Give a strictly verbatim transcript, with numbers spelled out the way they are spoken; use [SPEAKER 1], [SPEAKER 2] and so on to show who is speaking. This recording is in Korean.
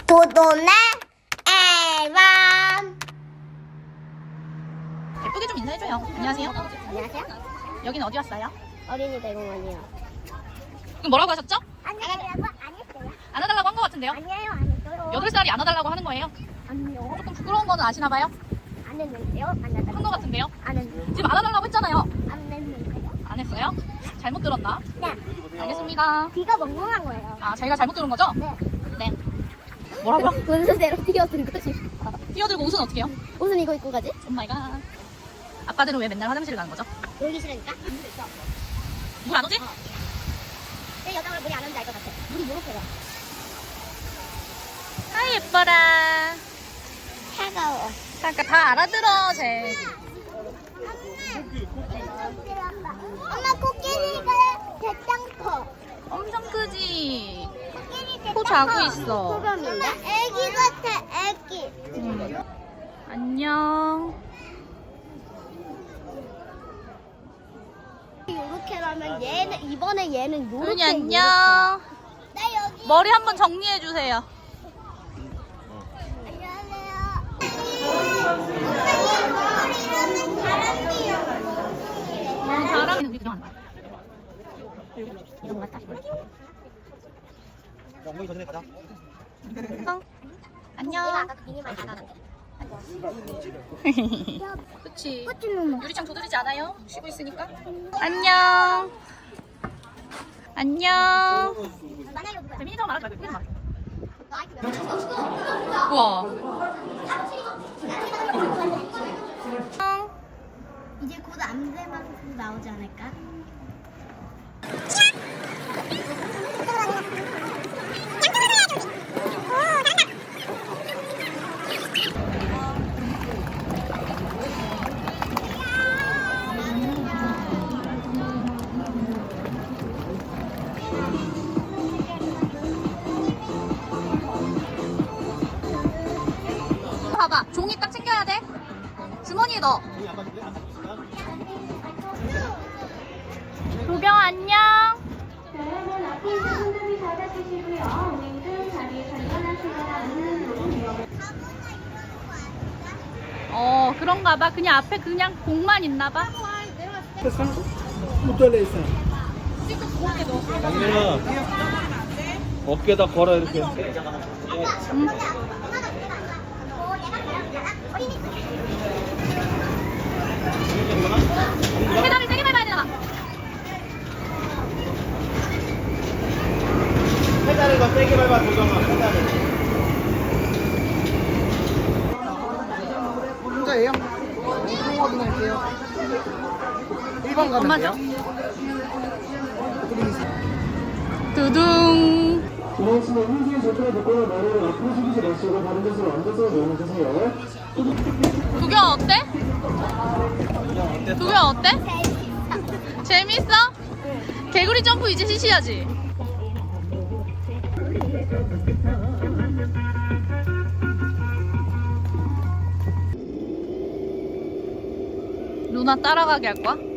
[SPEAKER 1] 도도네 앨범.
[SPEAKER 2] 예쁘게 좀 인사해줘요. 안녕하세요.
[SPEAKER 1] 안녕하세요.
[SPEAKER 2] 여기는 어디 왔어요?
[SPEAKER 1] 어린이 대공원이요.
[SPEAKER 2] 그럼 뭐라고 하셨죠?
[SPEAKER 1] 안녕하세요. 안 했어요.
[SPEAKER 2] 안아달라고 한 것 같은데요?
[SPEAKER 1] 아니에요, 안 했어요.
[SPEAKER 2] 여덟 살이 안아달라고 하는 거예요?
[SPEAKER 1] 아니요.
[SPEAKER 2] 조금 부끄러운 거는 아시나봐요?
[SPEAKER 1] 안 했는데요. 안 했는데요.
[SPEAKER 2] 한 것 같은데요?
[SPEAKER 1] 안 했는데요.
[SPEAKER 2] 지금 안아달라고 했잖아요.
[SPEAKER 1] 안 했는데요.
[SPEAKER 2] 안 했어요? 잘못 들었나?
[SPEAKER 1] 네.
[SPEAKER 2] 알겠습니다.
[SPEAKER 1] 귀가 멍멍한 거예요.
[SPEAKER 2] 아, 저희가 잘못 들은 거죠?
[SPEAKER 1] 네.
[SPEAKER 2] 네. 뭐라고요?
[SPEAKER 1] 분수대로 뛰어든 거지.
[SPEAKER 2] 뛰어들고 옷은 어떻게 해요?
[SPEAKER 1] 옷은 이거 입고 가지?
[SPEAKER 2] 오 마이 갓. 아빠들은 왜 맨날 화장실을 가는 거죠?
[SPEAKER 1] 놀기 싫으니까?
[SPEAKER 2] 물 안 오지?
[SPEAKER 1] 내 여자가 물이 안 오는지 알 것 같아. 물이 요렇게가.
[SPEAKER 2] 아, 예뻐라.
[SPEAKER 1] 차가워.
[SPEAKER 2] 잠깐 다 알아들어, 쟤.
[SPEAKER 1] 엄마 코끼리가 대짱 커.
[SPEAKER 2] 엄청 크지?
[SPEAKER 1] 코끼리
[SPEAKER 2] 코 자고 있어.
[SPEAKER 1] 소변인데? 애기 같아, 애기.
[SPEAKER 2] 음. 안녕.
[SPEAKER 1] 요렇게라면 얘는 이번에 얘는 요렇게.
[SPEAKER 2] 은이 안녕.
[SPEAKER 1] 나 여기.
[SPEAKER 2] 머리 한번 정리해 주세요. 바람이 우리 그냥 안
[SPEAKER 1] 이런 거 같다.
[SPEAKER 3] 엉덩이 전에 가자.
[SPEAKER 2] 어? 안녕.
[SPEAKER 1] 아까 그 미니만 나가는데.
[SPEAKER 2] 그치.
[SPEAKER 1] 꽃주는
[SPEAKER 2] 유리창 두드리지 않아요? 쉬고 있으니까. 안녕. 안녕.
[SPEAKER 1] 만나요 누구야?
[SPEAKER 2] 재민이처럼 말하지 말고 예쁘게 말해. 우와. 안녕.
[SPEAKER 1] 이제 곧 암대방송 나오지 않을까?
[SPEAKER 2] 봐봐. 종이 딱 챙겨야 돼. 주머니에 넣어. 도경 안녕.
[SPEAKER 4] 그러면 앞에 있는 손잡이 잡아주시고요. 은행등 자리에 전환하시거나
[SPEAKER 2] 어, 그런가 봐. 그냥 앞에 그냥 공만 있나 봐.
[SPEAKER 3] 양민아, 어깨에다 걸어 이렇게.
[SPEAKER 2] 음. 페달을 세게 밟아야 되나 봐.
[SPEAKER 3] 페달을 더 세게 밟아 도정아. 페달을.
[SPEAKER 5] 혼자예요? 통 확인할게요. 일 번 가면
[SPEAKER 2] 엄마죠?
[SPEAKER 5] 돼요?
[SPEAKER 2] 두둥.
[SPEAKER 6] 지나치는 흰색 조끼를 벗고 머리를 앞으로 숙이지 마시고 다른 곳으로 앉아서 내려주세요.
[SPEAKER 2] 두경 어때? 두경 어때? 재밌어? 개구리 점프 이제 시시하지? 루나 따라가게 할 거야?